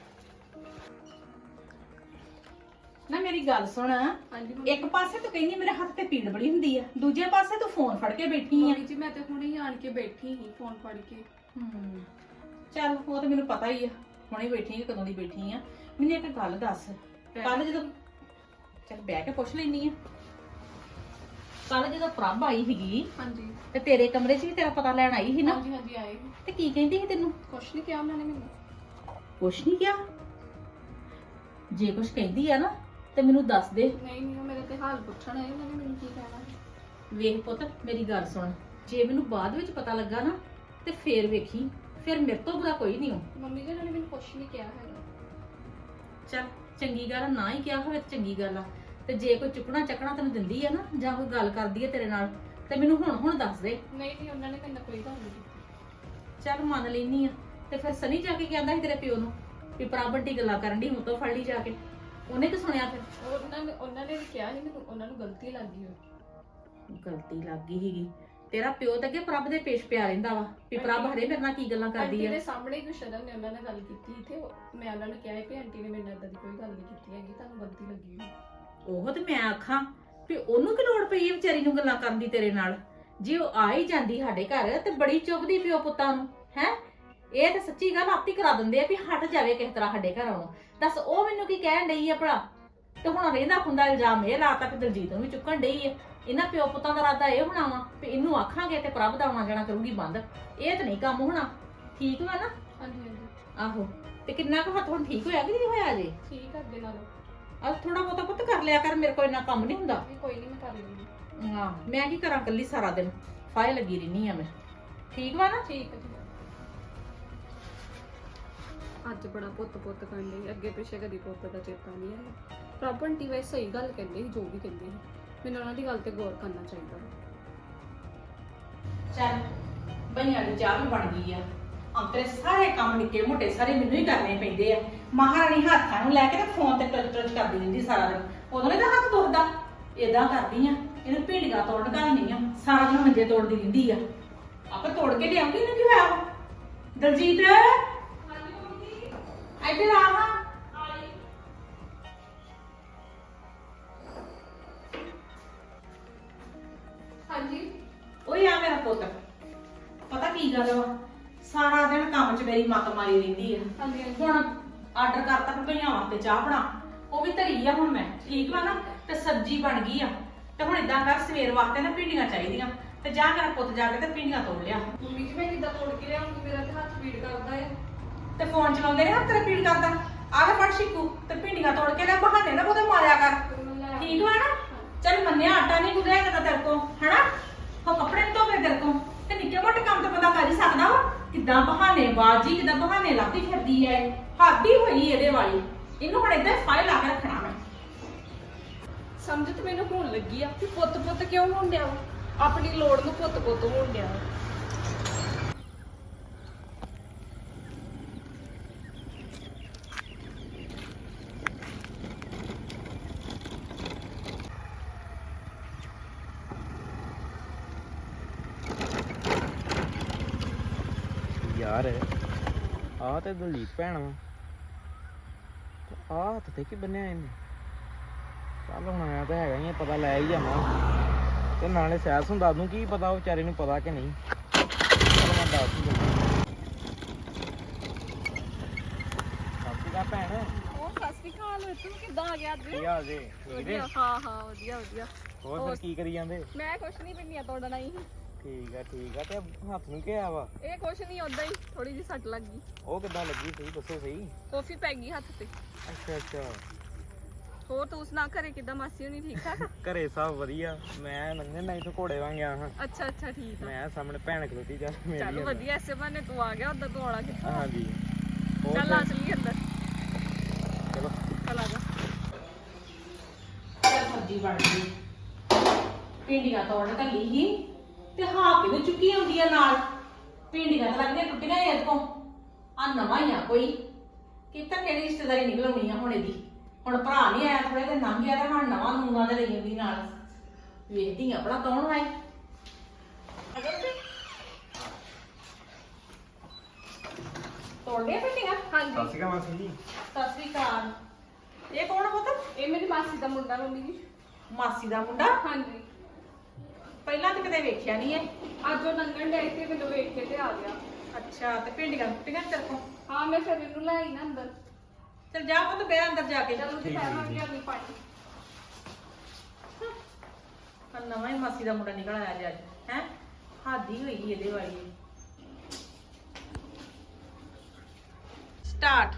Speaker 3: ਨਾ ਮੇਰੀ ਗੱਲ ਸੁਣ, ਇੱਕ ਪਾਸੇ ਤੂੰ ਕਹਿੰਦੀ ਮੇਰੇ ਹੱਥ ਤੇ ਪੀੜ ਬੜੀ ਹੁੰਦੀ ਆ, ਦੂਜੇ ਪਾਸੇ ਤੂੰ ਫੋਨ ਫੜ ਕੇ ਬੈਠੀ ਆ।
Speaker 4: ਮੰਮੀ ਜੀ ਮੈਂ ਤੇ ਹੁਣੇ ਹੀ ਆਣ ਕੇ ਬੈਠੀ ਸੀ ਫੋਨ ਫੜ ਕੇ।
Speaker 3: ਚੱਲ ਉਹ ਤਾਂ ਮੈਨੂੰ ਪਤਾ ਹੀ ਆ, ਹੁਣੇ ਬੈਠੀ ਆ, ਕਦੋਂ ਦੀ ਬੈਠੀ ਆ। ਮੈਨੂੰ ਇੱਕ ਗੱਲ ਦੱਸ, ਕੱਲ ਜਦੋਂ ਚੱਲ ਬਹਿ ਕੇ ਪੁੱਛ ਲੈਣੀ ਆ, ਕੱਲ ਜਦੋਂ ਪ੍ਰਭ ਆਈ ਸੀਗੀ
Speaker 4: ਹਾਂਜੀ
Speaker 3: ਤੇ ਤੇਰੇ ਕਮਰੇ 'ਚ ਵੀ ਤੇਰਾ ਪਤਾ ਲੈਣ ਆਈ ਸੀ ਨਾ,
Speaker 4: ਹਾਂਜੀ ਹਾਂਜੀ ਆਏ ਸੀ।
Speaker 3: ਤੇ ਕੀ ਕਹਿੰਦੀ ਸੀ ਤੈਨੂੰ?
Speaker 4: ਕੁਛ ਨਹੀਂ ਕਿਹਾ ਉਹਨਾਂ ਨੇ ਮੈਨੂੰ।
Speaker 3: ਕੁਛ ਨਹੀਂ ਕਿਹਾ? ਜੇ ਕੁਛ ਕਹਿੰਦੀ ਆ ਨਾ ਤੇ ਮੈਨੂੰ ਦੱਸ ਦੇ।
Speaker 4: ਨਹੀਂ ਨਹੀਂ ਉਹ ਮੇਰੇ ਤੇ ਹਾਲ ਪੁੱਛਣ ਆਏ, ਉਹਨਾਂ ਨੇ ਮੈਨੂੰ ਕੀ ਕਹਿਣਾ।
Speaker 3: ਵੇਖ ਪੁੱਤ ਮੇਰੀ ਗੱਲ ਸੁਣ, ਜੇ ਮੈਨੂੰ ਬਾਅਦ ਵਿੱਚ ਪਤਾ ਲੱਗਾ ਨਾ ਤੇ ਫੇਰ ਵੇਖੀ, ਫਿਰ ਮੇਰੇ ਤੋਂ ਬੁਰਾ ਕੋਈ ਨਹੀਂ ਹੋ।
Speaker 4: ਮੰਮੀ ਜੀ ਉਹਨਾਂ ਨੇ ਮੈਨੂੰ ਕੁਛ ਨਹੀਂ ਕਿਹਾ ਹੈਗਾ।
Speaker 3: ਚੱਲ ਚੰਗੀ ਗੱਲ ਆ, ਨਾ ਹੀ ਕਿਹਾ ਹੋਵੇ ਤੇ ਚੰਗੀ ਗੱਲ ਆ। ਤੇ ਜੇ ਕੋਈ ਚੁੱਕਣਾ ਚੱਕਣਾ ਤੈਨੂੰ ਦਿੰਦੀ ਆ ਨਾ, ਜਾਂ ਕੋਈ ਗੱਲ ਕਰਦੀ ਆ ਤੇਰੇ ਨਾਲ, ਤੇ ਮੈਨੂੰ ਹੁਣ ਦੱਸ ਦੇ।
Speaker 4: ਨਹੀਂ ਨਹੀਂ ਉਹਨਾਂ ਨੇ ਕਹਿੰਦਾ ਕੋਈ ਗੱਲ ਨਹੀਂ ਕੀਤੀ।
Speaker 3: ਚੱਲ ਮੰਨ ਲੈਨੀ ਆ। ਤੇ ਫਿਰ ਸਨੀ ਜਾ ਕੇ ਕਹਿੰਦਾ ਸੀ ਤੇਰੇ ਪਿਓ ਨੂੰ ਵੀ ਪ੍ਰਾਪਰਟੀ ਗੱਲਾਂ ਕਰਨ ਦੀ, ਹੁਣ ਤੋਂ ਫੜ ਲਈ ਜਾ ਕੇ। ਉਹਨੇ ਕੀ ਸੁਣਿਆ ਫਿਰ?
Speaker 4: ਉਹਨਾਂ ਨੇ ਵੀ ਕਿਹਾ ਸੀ ਮੈਨੂੰ, ਉਹਨਾਂ ਨੂੰ ਗਲਤੀ ਲੱਗ ਗਈ ਹੋਈ।
Speaker 3: ਗਲਤੀ ਲੱਗ ਗਈ ਸੀਗੀ। ਤੇਰਾ ਪਿਓ ਤਾਂ ਅੱਗੇ ਪ੍ਰਭ ਦੇ ਪੇਸ਼ ਪਿਆ ਰਹਿੰਦਾ ਵਾ ਵੀ ਪ੍ਰਭ ਹਰੇ ਮੇਰੇ ਨਾਲ ਕੀ ਗੱਲਾਂ ਕਰਦੀ
Speaker 4: ਆਂਟੀ
Speaker 3: ਆ।
Speaker 4: ਦੇ ਸਾਹਮਣੇ ਗੁਸ਼ਰਨ ਨੇ ਉਹਨਾਂ ਨਾਲ ਗੱਲ ਕੀਤੀ ਤੇ ਮੈਂ ਉਹਨਾਂ ਨੂੰ ਕਿਹਾ ਵੀ ਆਂਟੀ ਨੇ ਮੇਰੇ ਨਾਲ ਏਦਾਂ ਦੀ ਕੋਈ ਗੱਲ ਨਹੀਂ ਕੀਤੀ ਹੈਗੀ, ਤੁਹਾਨੂੰ ਗਲਤੀ ਲੱਗੀ ਹੋਈ।
Speaker 3: ਉਹ ਤੇ ਮੈਂ ਆਖਾਂ ਵੀ ਉਹਨੂੰ ਕੀ ਲੋੜ ਪਈ ਹੈ ਵਿਚਾਰੀ ਨੂੰ ਗੱਲਾਂ ਕਰਨ ਦੀ ਤੇਰੇ ਨਾਲ? ਜੇ ਉਹ ਆ ਹੀ ਜਾਂਦੀ ਸਾਡੇ ਘਰ ਤੇ ਬੜੀ ਚੁੱਭਦੀ ਪਿਓ ਪੁੱਤਾਂ ਨੂੰ ਹੈ। ਇਹ ਤਾਂ ਸੱਚੀ ਗੱਲ ਆਪੀ ਕਰਾ ਦਿੰਦੇ ਆ ਵੀ ਹਟ ਜਾਵੇ ਕਿਸ ਤਰ੍ਹਾਂ ਸਾਡੇ ਘਰ ਆਉਣੋਂ। ਦੱਸ ਉਹ ਮੈਨੂੰ ਕੀ ਕਹਿਣ ਡਈ ਆ ਭਲਾ? ਤੇ ਹੁਣ ਰਹਿੰਦਾ ਖੁੰਦਾ ਇਲਜ਼ਾਮ ਇਹ ਲਾ ਤੱਕ ਦਲਜੀਤ ਨੂੰ ਵੀ ਚੁੱਕਣ ਡਈ ਆ। ਇਹਨਾਂ ਪਿਓ ਪੁੱਤਾਂ ਦਾ ਇਰਾਦਾ ਇਹ ਹੋਣਾ ਵਾ ਵੀ ਇਹਨੂੰ ਆਖਾਂਗੇ ਤੇ ਪ੍ਰਭ ਦਾ ਆਉਣਾ ਜਾਣਾ ਕਰੂਗੀ ਬੰਦ। ਇਹ ਤਾਂ ਨਹੀਂ ਕੰਮ ਹੋਣਾ। ਠੀਕ ਵਾ ਨਾ?
Speaker 4: ਹਾਂਜੀ ਹਾਂਜੀ
Speaker 3: ਆਹੋ। ਤੇ ਕਿੰਨਾ ਕੁ ਹੱਥ ਹੁਣ ਠੀਕ ਹੋਇਆ ਕਿ ਨਹੀਂ ਹੋਇਆ ਅਜੇ?
Speaker 4: ਠੀਕ ਆ ਅੱਗੇ ਨਾਲੋਂ।
Speaker 3: ਆ ਥੋੜਾ ਬਹੁਤਾ ਪੁੱਤ ਕਰ ਲਿਆ ਕਰ, ਮੇਰੇ ਕੋਲ ਇੰਨਾ ਕੰਮ ਨਹੀਂ ਹੁੰਦਾ।
Speaker 4: ਕੋਈ ਨਹੀਂ ਮੈਂ ਕਰ ਲੂੰਗੀ।
Speaker 3: ਹਾਂ ਮੈਂ ਕੀ ਕਰਾਂ, ਕੱਲੀ ਸਾਰਾ ਦਿਨ ਫਾਇ ਲੱਗੀ ਰਹਿਨੀ ਆ ਮੈਂ। ਠੀਕ ਵਾ ਨਾ?
Speaker 4: ਠੀਕ ਹੈ। ਅੱਜ ਬੜਾ ਪੁੱਤ ਕਹਿੰਦੇ, ਅੱਗੇ ਪਿੱਛੇ ਕਦੀ ਪੁੱਤ ਦਾ ਚੇਤਾ ਨਹੀਂ ਆਇਆ। ਪ੍ਰਾਪਰਟੀ ਵੇ ਸਹੀ ਗੱਲ ਕਹਿੰਦੇ ਸੀ, ਜੋ ਵੀ ਕਹਿੰਦੇ ਸੀ। ਮੈਨੂੰ ਉਹਨਾਂ ਦੀ ਗੱਲ ਤੇ ਗੌਰ ਕਰਨਾ ਚਾਹੀਦਾ।
Speaker 3: ਚੱਲ ਬਈਆਂ ਦੀ ਚਾਹ ਵੀ ਬਣ ਗਈ ਆ। ਅੰਤਰੇ ਸਾਰੇ ਕੰਮ ਨਿੱਕੇ ਮੋਟੇ ਸਾਰੇ ਮੈਨੂੰ ਹੀ ਕਰਨੇ ਪੈਂਦੇ ਆ। ਮਹਾਰਾਣੀ ਹੱਥਾਂ ਨੂੰ ਲੈ ਕੇ ਤੇ ਫੋਨ ਤੇ ਟਚ ਕਰਦੀ ਰਹਿੰਦੀ ਸਾਰਾ ਦਿਨ। ਉਦੋਂ ਨੇ ਤਾਂ ਹੱਥ ਤੁਰਦਾ। ਏਦਾਂ ਕਰਦੀ ਆ, ਇਹਨੂੰ ਭਿੰਡੀਆਂ ਤੋੜਨ ਘੱਲਣੀ ਆ, ਸਾਰਾ ਦਿਨ ਮੰਜੇ ਤੋੜਦੀ ਰਹਿੰਦੀ ਆ। ਆਪੇ ਤੋੜ ਕੇ ਲਿਆਉਂਗੀ, ਇਹਨੂੰ ਕੀ ਹੋਇਆ ਵਾ? ਦਲਜੀਤ ਇੱਧਰ ਆ ਹਾਂ।
Speaker 4: ਹਾਂਜੀ
Speaker 3: ਓਏ ਆ ਮੇਰਾ ਪੁੱਤ, ਪਤਾ ਕੀ ਗੱਲ ਵਾ? ਸਾਰਾ ਦਿਨ ਕੰਮ 'ਚ ਮੇਰੀ ਮੱਤ ਮਾਰੀ ਰਹਿੰਦੀ ਆ।
Speaker 4: ਹਾਂਜੀ
Speaker 3: ਹੁਣ ਆਰਡਰ ਕਰਤਾ ਕਿ ਭਈਆਂ ਵਾਸਤੇ ਚਾਹ ਬਣਾ, ਉਹ ਵੀ ਧਰੀ ਆ ਹੁਣ ਮੈਂ। ਠੀਕ ਵਾ ਨਾ? ਤੇ ਸਬਜ਼ੀ ਬਣ ਗਈ ਆ। ਤੇ ਹੁਣ ਇਦਾਂ ਕਰ, ਸਵੇਰ ਵਾਸਤੇ ਨਾ ਭਿੰਡੀਆਂ ਚਾਹੀਦੀਆਂ, ਤੇ ਜਾ ਮੇਰਾ ਪੁੱਤ ਜਾ ਕੇ ਤੇ ਭਿੰਡੀਆਂ ਤੋੜ ਲਿਆ।
Speaker 4: ਮੰਮੀ ਜੀ ਮੈਂ ਕਿੱਦਾਂ ਤੋੜ ਕੇ ਲਿਆਉਂਗੀ? ਮੇਰਾ ਤੇ ਹੱਥ ਪੀੜ ਕਰਦਾ ਹੈ।
Speaker 3: ਤੇ ਫੋਨ ਚਲਾਉਂਦੇ ਨੇ ਹੱਥ ਤੇਰਾ ਪੀੜ ਕਰਦਾ। ਆ ਲੈ ਫੜ ਸ਼ਿਕੂ, ਤੇ ਭਿੰਡੀਆਂ ਤੋੜ ਕੇ ਲੈ, ਬਹਾਨੇ ਨਾ ਉਹਦੇ ਮਾਰਿਆ ਕਰ। ਠੀਕ ਵਾ ਨਾ? ਚੱਲ ਮੰਨਿਆ, ਆਟਾ ਨਹੀਂ ਗੁੰਦਿਆ ਜਾਂਦਾ ਤੇਰੇ ਕੋਲ, ਹਨਾ? ਉਹ ਕੱਪੜੇ ਨੀ ਧੋਵੇ ਤੇਰੇ ਕੋਲ, ਤੇ ਨਿੱਕੇ ਮੋਟੇ ਕੰਮ ਤਾਂ ਬੰਦਾ ਕਰ ਹੀ ਸਕਦਾ ਵਾ। ਕਿੱਦਾਂ ਬਹਾਨੇ ਬਾਜੀ, ਕਿੱਦਾਂ ਬਹਾਨੇ ਲੱਭਦੀ ਫਿਰਦੀ ਐ। ਹੱਦ ਹੀ ਹੋਈ ਇਹਦੇ ਵਾਲੀ। ਇਹਨੂੰ ਹੁਣ ਏਦਾਂ ਫਾਇਲ ਲਾ ਕੇ ਰੱਖਣਾ ਮੈਂ।
Speaker 4: ਸਮਝ ਤੇ ਮੈਨੂੰ ਹੋਣ ਲੱਗੀ ਆ ਕਿ ਪੁੱਤ ਕਿਉਂ ਹੋਣ ਡਿਆ ਵਾ। ਆਪਣੀ ਲੋੜ ਨੂੰ ਪੁੱਤ ਹੋਣ ਡਿਆ ਵਾ।
Speaker 2: ਯਾਰ ਆਹ ਤੇ ਦਲੀਪ ਭੈਣ ਵਾ ਆਹ ਹੱਥ ਤੇ ਕੀ ਬੰਨਿਆ ਇਹਨੇ ਚੱਲ ਹੁਣ ਆਇਆ ਤਾਂ ਹੈਗਾ ਹੀ ਆ, ਪਤਾ ਲੈ ਹੀ ਜਾਵਾਂ ਤੇ ਨਾਲੇ ਸੈਸ ਨੂੰ ਦੱਸ ਦੂੰ ਕੀ ਪਤਾ ਉਹ ਵਿਚਾਰੇ ਨੂੰ ਪਤਾ ਕਿ ਨਹੀਂ। ਚੱਲ ਮੈਂ ਦੱਸ ਦੂੰ ਸਾਥੀ ਦਾ ਭੈਣ
Speaker 4: ਉਹ ਸਤਿ ਸ਼੍ਰੀ ਅਕਾਲ ਤੂੰ ਕਿੱਦਾਂ ਆ ਗਿਆ ਅੱਜ?
Speaker 2: ਕੀ ਹਾਲ ਜੇ?
Speaker 4: ਵਧੀਆ ਹਾਂ ਹਾਂ ਵਧੀਆ ਵਧੀਆ।
Speaker 2: ਹੋਰ ਫਿਰ ਕੀ ਕਰੀ ਜਾਂਦੇ?
Speaker 4: ਮੈਂ ਕੁਛ ਨਹੀਂ ਪਿੰਨੀਆਂ ਤੋੜਨਾ ਹੀ।
Speaker 2: ਠੀਕ ਆ ਤੇ ਹੱਥ ਨੂੰ ਕੀ ਆ ਵਾ?
Speaker 4: ਇਹ ਕੁਛ ਨਹੀਂ ਉਦਾਂ ਹੀ ਥੋੜੀ ਜਿਹੀ ਸੱਟ ਲੱਗ ਗਈ।
Speaker 2: ਉਹ ਕਿੱਦਾਂ ਲੱਗੀ ਸਹੀ ਦੱਸੋ ਸਹੀ।
Speaker 4: ਕਾਫੀ ਪੈ ਗਈ ਹੱਥ ਤੇ।
Speaker 2: ਅੱਛਾ
Speaker 4: ਹੋਰ ਤੂੰ ਸੁਣਾ ਘਰੇ ਕਿੱਦਾਂ ਮਾਸੀ ਹੋਣੀ ਠੀਕ ਠਾਕ?
Speaker 2: ਘਰੇ ਸਭ ਵਧੀਆ। ਮੈਂ ਨੰਗੇ ਨਹੀਂ ਤੋਂ ਘੋੜੇ ਵਾਂਗ ਗਿਆ ਹਾਂ।
Speaker 4: ਅੱਛਾ ਅੱਛਾ ਠੀਕ ਆ।
Speaker 2: ਮੈਂ ਸਾਹਮਣੇ ਭੈਣ ਖਲੋਤੀ ਜਾ ਮੇਰੀ
Speaker 4: ਚੱਲ ਵਧੀਆ ਐਸੇ ਬਹਾਨੇ ਤੂੰ ਆ ਗਿਆ ਉਦਾਂ ਤੂੰ ਆਉਣਾ ਕਿੱਥੋਂ?
Speaker 2: ਹਾਂਜੀ
Speaker 4: ਚੱਲ ਆ ਚੱਲੀਏ ਅੰਦਰ
Speaker 2: ਚਲੋ
Speaker 4: ਚੱਲ ਆ ਜਾ।
Speaker 3: ਸਬਜ਼ੀ ਬਣ ਗਈ ਭਿੰਡੀਆਂ ਤੋੜ ਕੱਲੀ ਹੀ ਤੇ ਹਾਂ ਕਿਵੇਂ ਚੁੱਕੀ ਆਉਂਦੀ ਆ ਨਾਲ ਭਿੰਡੀਆਂ ਤਾਂ ਲੱਗਦੀਆਂ ਟੁੱਟੀਆਂ ਇਹਦੇ ਕੋਲ ਆ ਨਵਾਂ ਹੀ ਆ ਕੋਈ ਕਿਤਾ ਕਿਹੜੀ ਰਿਸ਼ਤੇਦਾਰੀ ਨਿਕਲਣੀ ਆ ਹੁਣ ਇਹਦੀ ਹੁਣ ਭਰਾ ਨਹੀਂ ਆਇਆ ਥੋੜੇ ਦਿਨ ਲੰਘ ਗਿਆ ਤੇ ਹੁਣ ਨਵਾਂ ਨੂੰਗਾ ਦੇ ਲਈ ਆਉਂਦੀ ਨਾਲ ਵੇਖਦੀ ਆ ਬੜਾ ਕੌਣ ਆਏ ਤੋੜਦੇ ਭਿੰਡੀਆਂ
Speaker 4: ਹਾਂਜੀ
Speaker 2: ਸਤਿ ਸ਼੍ਰੀ ਅਕਾਲ ਮਾਸੀ ਜੀ।
Speaker 3: ਸਤਿ ਸ੍ਰੀ ਅਕਾਲ ਇਹ ਕੌਣ ਪੁੱਤ
Speaker 4: ਇਹ ਮੇਰੀ ਮਾਸੀ ਦਾ ਮੁੰਡਾ ਮੰਮੀ ਜੀ।
Speaker 3: ਮਾਸੀ ਦਾ ਮੁੰਡਾ
Speaker 4: ਹਾਂਜੀ
Speaker 3: ਪਹਿਲਾਂ ਤਾਂ ਕਦੇ ਵੇਖਿਆ ਨਹੀਂ ਹੈ
Speaker 4: ਅੱਜ ਉਹ ਲੰਘਣ ਡਿਆ ਸੀ ਮੈਨੂੰ ਵੇਖ ਕੇ ਤੇ ਆ ਗਿਆ।
Speaker 3: ਅੱਛਾ ਤੇ ਭਿੰਡੀਆਂ ਟੁੱਟੀਆਂ ਤੇਰੇ ਕੋਲ
Speaker 4: ਹਾਂ ਮੈਂ ਫਿਰ ਇਹਨੂੰ ਲੈ ਆਈ ਨਾ ਅੰਦਰ।
Speaker 3: ਚਲ ਜਾ ਪੁੱਤ ਬੈ ਅੰਦਰ ਜਾ ਕੇ
Speaker 4: ਚਲੋ ਜੀ ਪਾਵਾਂਗੇ ਅਗਲੀ ਪਾਣੀ।
Speaker 3: ਨਵਾਂ ਹੀ ਮਾਸੀ ਦਾ ਮੁੰਡਾ ਨਿਕਲ ਆਇਆ ਜੀ ਅੱਜ ਹੈ ਹਾਦੀ ਹੋਈ ਇਹਦੇ ਵਾਲੀ ਸਟਾਰਟ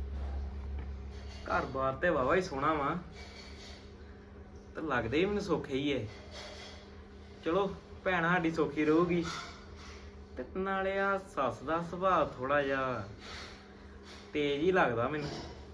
Speaker 2: ਘਰ ਬਾਰ ਤੇ ਵਾਵਾ ਹੀ ਸੋਹਣਾ ਵਾ ਤੇ ਲੱਗਦੇ ਹੀ ਮੈਨੂੰ ਸੌਖੇ ਹੀ ਏ। ਚਲੋ ਭੈਣ ਸਾਡੀ ਸੌਖੀ ਰਹੂਗੀ ਤੇ ਨਾਲੇ ਆ ਸੱਸ ਦਾ ਸੁਭਾਅ ਥੋੜਾ ਜਿਹਾ ਤੇਜ਼ ਹੀ ਲੱਗਦਾ ਮੈਨੂੰ।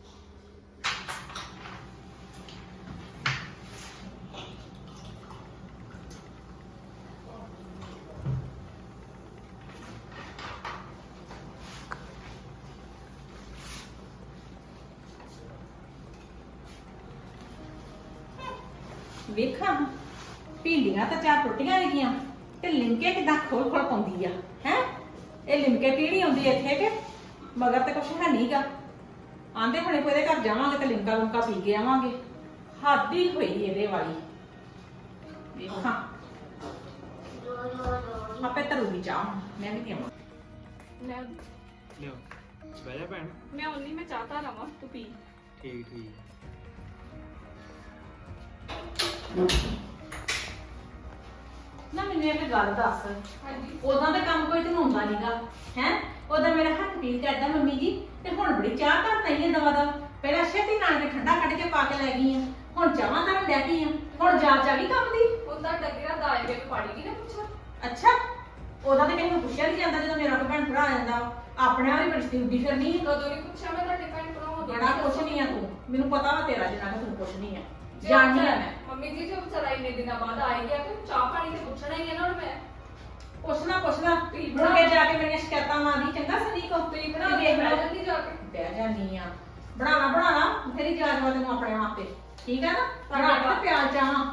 Speaker 3: ਵੇਖਾਂ ਭਿੰਡੀਆਂ ਤਾਂ ਚਾਰ ਟੁੱਟੀਆਂ ਹੈਗੀਆਂ ਤੇ ਲਿਮਕੇ ਕਿਦਾਂ ਖੋਲ ਖੋਲ ਪਾਉਂਦੀ ਆ ਹੈ ਇਹ ਲਿਮਕੇ ਪੀੜੀ ਆਉਂਦੀ ਇੱਥੇ ਕਿ ਮਗਰ ਤੇ ਕੁਛ ਹੈ ਨਹੀਂਗਾ ਆਂਦੇ ਹੁਣੇ ਕੋਈ ਇਹਦੇ ਘਰ ਜਾਵਾਂਗੇ ਤੇ ਲਿਮਕਾ ਲੁਮਕਾ ਪੀ ਕੇ ਆਵਾਂਗੇ ਹਾਦੀ ਹੋਈ ਇਹਦੇ ਵਾਲੀ ਵੇਖਾਂ ਆਪੇ ਤਰੂਗੀ ਚਾਹ ਮੈਂ ਵੀ ਪੀਵਾਂ
Speaker 4: ਲੈ
Speaker 2: ਲਿਓ ਬਹਿ ਜਾ ਭੈਣ।
Speaker 4: ਮੈਂ ਉਨੀ ਮੈਂ ਚਾਹਤਾ ਰਵਾਂ ਤੂੰ ਪੀ।
Speaker 2: ਠੀਕ
Speaker 3: ਨਾ ਮੈਨੂੰ ਇੱਕ ਗੱਲ ਦੱਸ
Speaker 4: ਹਾਂਜੀ
Speaker 3: ਉਦਾਂ ਦਾ ਕੰਮ ਕੋਈ ਤੈਨੂੰ ਹੁੰਦਾ ਨਹੀਂਗਾ ਹੈ ਉਦਾਂ ਮੇਰਾ ਹੱਥ ਪੀੜ ਕਰਦਾ ਮੰਮੀ ਜੀ ਤੇ ਹੁਣ ਬੜੀ ਚਾਹ ਕਰਤਾ ਹੀ ਦਵਾ ਦਾ ਪਹਿਲਾਂ ਛੇਤੀ ਨਾਲ ਕੇ ਠੰਡਾ ਕੱਢ ਕੇ ਪਾ ਕੇ ਲੈ ਗਈ ਆ ਹੁਣ ਚਾਹਾਂ ਤਾਂ ਲੈ ਗਈ ਆ ਹੁਣ ਜਾ ਵੀ ਕੰਮ ਦੀ
Speaker 4: ਉਹਦਾ ਡੱਗਰਾ ਦਾਲ ਕੇ ਪਾੜੀ ਦੀ ਨਾ ਪੁੱਛਾ।
Speaker 3: ਅੱਛਾ ਉਹਦਾ ਤੇ ਕਿਸੇ ਨੂੰ ਪੁੱਛਿਆ ਨਹੀਂ ਜਾਂਦਾ ਜਦੋਂ ਮੇਰਾ ਕੋਈ ਭੈਣ ਭਰਾ ਆ ਜਾਂਦਾ ਆਪਣੇ ਆਪ ਹੀ ਬੜੀ ਉੱਡੀ ਫਿਰਨੀ ਆ।
Speaker 4: ਕਦੋਂ ਨਹੀਂ ਪੁੱਛਿਆ ਮੈਂ ਤੁਹਾਡੇ ਭੈਣ ਭਰਾ
Speaker 3: ਬੜਾ ਕੁਛ ਨਹੀਂ ਆ ਤੂੰ ਮੈਨੂੰ ਪਤਾ ਵਾ ਤੇਰਾ ਜਿੰਨਾ ਕਿ ਤੂੰ ਕੁਛ ਨਹੀਂ ਆ ਜਾਣਦੀ ਆ ਮੈਂ
Speaker 4: ਮੰਮੀ ਜੀ ਜੋ ਵਿਚਾਰਾ ਇੰਨੇ ਦਿਨਾਂ ਬਾਅਦ ਆਈ ਗਿਆ ਤੇ ਚਾਹ ਪਾਣੀ ਤੇ ਪੁੱਛਣਾ ਹੀ ਹੈ ਨਾ ਹੁਣ ਮੈਂ।
Speaker 3: ਪੁੱਛਣਾ ਮੁੜ ਕੇ ਜਾ ਕੇ ਮੇਰੀਆਂ ਸ਼ਿਕਾਇਤਾਂ ਮਾਰੀ ਚੰਗਾ ਸਨੀ ਕੋ
Speaker 4: ਤੁਸੀਂ ਬਣਾ ਕੇ ਬਹਿ ਜਾਂਦੀ ਜਾ ਕੇ।
Speaker 3: ਬਹਿ ਜਾਨੀ ਆ ਬਣਾਣਾ ਤੇਰੀ ਜਾਜਵਾ ਤੈਨੂੰ ਆਪਣੇ ਆਪ ਤੇ ਠੀਕ ਆ ਨਾ ਬਣਾ ਕੇ ਪਿਆਲ ਚਾਹਾਂ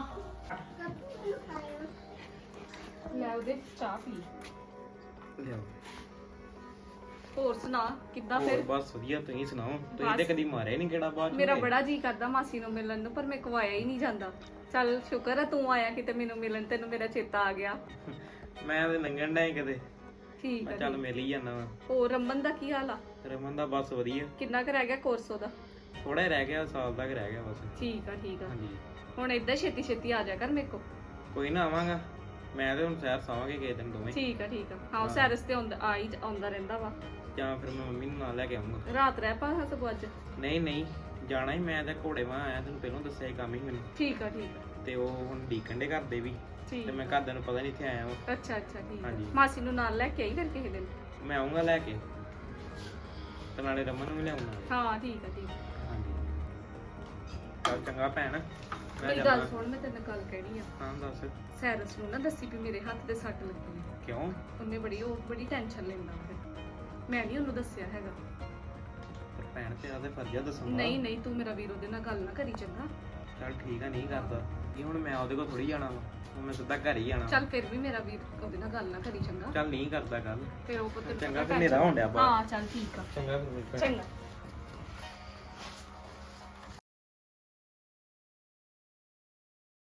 Speaker 4: ਲੈ ਉਹਦੇ ਚਾਹ ਪੀ।
Speaker 2: ਲਿਓ
Speaker 4: ਹੋਰ ਸੁਣਾ ਕਿੱਦਾਂ
Speaker 2: ਹੋਰ
Speaker 4: ਫਿਰ?
Speaker 2: ਬਸ ਵਧੀਆ। ਤੁਸੀਂ ਸੁਣਾਓ ਤੁਸੀਂ ਤੇ
Speaker 4: ਬਸ।
Speaker 2: ਕਦੀ ਮਾਰਿਆ ਨਹੀਂ ਕਿਹੜਾ ਬਾਅਦ ਚ
Speaker 4: ਮੇਰਾ
Speaker 2: ਹੋਏ?
Speaker 4: ਬੜਾ ਜੀ ਕਰਦਾ ਮਾਸੀ ਨੂੰ ਮਿਲਣ ਨੂੰ ਪਰ ਮੇਰੇ ਕੋ ਆਇਆ ਹੀ ਨਹੀਂ ਜਾਂਦਾ। ਚੱਲ ਸ਼ੁਕਰ ਹੈ ਤੂੰ ਆਇਆ ਕਿਤੇ ਮੈਨੂੰ ਮਿਲਣ ਤੈਨੂੰ ਮੇਰਾ ਚੇਤਾ ਆ ਗਿਆ।
Speaker 2: ਮੈਂ ਤੇ ਲੰਘਣ ਡਿਆ ਸੀ ਕਿਤੇ
Speaker 4: ਠੀਕ
Speaker 2: ਮੈਂ
Speaker 4: ਹੈ
Speaker 2: ਚੱਲ ਮਿਲ ਹੀ ਜਾਣਾ ਵਾ।
Speaker 4: ਹੋਰ ਰਮਨ ਦਾ ਕੀ ਹਾਲ ਆ?
Speaker 2: ਰਮਨ ਦਾ ਬਸ ਵਧੀਆ
Speaker 4: ਕਿੰਨਾ ਕੁ ਰਹਿ ਗਿਆ ਕੋਰਸ ਉਹਦਾ?
Speaker 2: ਥੋੜਾ ਹੀ ਰਹਿ ਗਿਆ ਸਾਲ ਤੱਕ ਰਹਿ ਗਿਆ ਬਸ।
Speaker 4: ਠੀਕ ਆ
Speaker 2: ਹਾਂਜੀ
Speaker 4: ਹੁਣ ਏਦਾਂ ਛੇਤੀ ਛੇਤੀ ਆ ਜਾ ਕਰ ਮੇਰੇ ਕੋ।
Speaker 2: ਕੋਈ ਨਾ ਆਵਾਂਗਾ ਮੈਂ ਤੇ ਹੁਣ ਸ਼ਹਿਰ ਸਾਵਾਂਗੇ ਕਿਸੇ ਦਿਨ ਦੋਵੇਂ
Speaker 4: ਠੀਕ ਆ ਹਾਂ ਸੈਰਸ ਤੇ ਆਉਂਦਾ ਰਹਿੰਦਾ ਵਾ।
Speaker 2: ਜਾਂ ਫਿਰ ਮੈਂ ਮੰਮੀ ਨੂੰ ਨਾਲ ਲੈ ਕੇ ਆਉਂਗਾ।
Speaker 4: ਰਾਤ ਰਹਿ ਪਾ ਸਗੋਂ ਅੱਜ।
Speaker 2: ਨਹੀਂ ਜਾਣਾ ਹੀ ਮੈਂ ਤਾਂ ਘੋੜੇ ਵਾਂ ਆਇਆ ਤੈਨੂੰ ਪਹਿਲਾਂ ਦੱਸਿਆ ਹੀ ਕੰਮ ਹੀ ਮੈਨੂੰ
Speaker 4: ਠੀਕ ਆ
Speaker 2: ਤੇ ਉਹ ਹੁਣ ਡੀਕਣ ਦੇ ਘਰ ਦੇ ਵੀ
Speaker 4: ਠੀਕ
Speaker 2: ਤੇ ਮੈਂ ਘਰਦਿਆਂ ਨੂੰ ਪਤਾ ਨਹੀਂ ਇੱਥੇ ਆਇਆ ਵਾਂ।
Speaker 4: ਅੱਛਾ ਠੀਕ ਆ।
Speaker 2: ਹਾਂਜੀ।
Speaker 4: ਮਾਸੀ ਨੂੰ ਨਾਲ ਲੈ ਕੇ ਆਈ ਫਿਰ ਕਿਸੇ ਦਿਨ।
Speaker 2: ਮੈਂ ਆਉਂਗਾ ਲੈ ਕੇ ਤੇ ਨਾਲੇ ਰਮਨ ਨੂੰ ਵੀ ਲਿਆਉਂਗਾ।
Speaker 4: ਹਾਂ ਠੀਕ ਆ
Speaker 2: ਹਾਂਜੀ ਚੱਲ ਚੰਗਾ ਭੈਣ ਮੈਂ
Speaker 4: ਮੇਰੀ
Speaker 2: ਜਾਂਦਾ।
Speaker 4: ਗੱਲ ਸੁਣ ਮੈਂ ਤੈਨੂੰ ਗੱਲ ਕਹਿਣੀ ਆ।
Speaker 2: ਹਾਂ ਦੱਸ
Speaker 4: ਸੈਰਸ ਨੂੰ ਨਾ ਦੱਸੀ ਵੀ ਮੇਰੇ ਹੱਥ ਤੇ ਸੱਟ ਲੱਗੀ ਹੈ।
Speaker 2: ਕਿਉਂ?
Speaker 4: ਉਹਨੇ ਬੜੀ ਟੈਨਸ਼ਨ ਲੈਂਦਾ ਫਿਰ ਮੈਂ ਨਹੀਂ ਉਹਨੂੰ ਦੱਸਿਆ ਹੈਗਾ।
Speaker 2: ਪਰ ਭੈਣ ਤੇਰਾ ਤੇ ਫਰਜ਼ ਆ ਦੱਸਣਾ।
Speaker 4: ਨਹੀਂ ਤੂੰ ਮੇਰਾ ਵੀਰ ਉਹਦੇ ਨਾਲ ਗੱਲ ਨਾ ਕਰੀ ਚੰਗਾ।
Speaker 2: ਚੱਲ ਠੀਕ ਆ ਨਹੀਂ ਕਰਦਾ ਇਹ ਹੁਣ ਮੈਂ ਉਹਦੇ ਕੋਲ ਥੋੜੀ ਜਾਣਾ ਵਾ। ਹੁਣ ਮੈਂ ਸਿੱਧਾ ਘਰ ਹੀ ਆਣਾ
Speaker 4: ਚੱਲ ਫਿਰ ਵੀ ਮੇਰਾ ਵੀਰ ਉਹਦੇ ਨਾਲ ਗੱਲ ਨਾ ਕਰੀ ਚੰਗਾ
Speaker 2: ਚੱਲ ਨਹੀਂ ਕਰਦਾ ਗੱਲ
Speaker 4: ਫਿਰ ਉਹ ਪੁੱਤ
Speaker 2: ਚੰਗਾ ਫਿਰ ਹਨੇਰਾ ਹੋਣ ਡਿਆ ਬਾਹਰ
Speaker 3: ਹਾਂ ਚੱਲ ਠੀਕ ਆ
Speaker 2: ਚੰਗਾ ਫਿਰ
Speaker 3: ਚੰਗਾ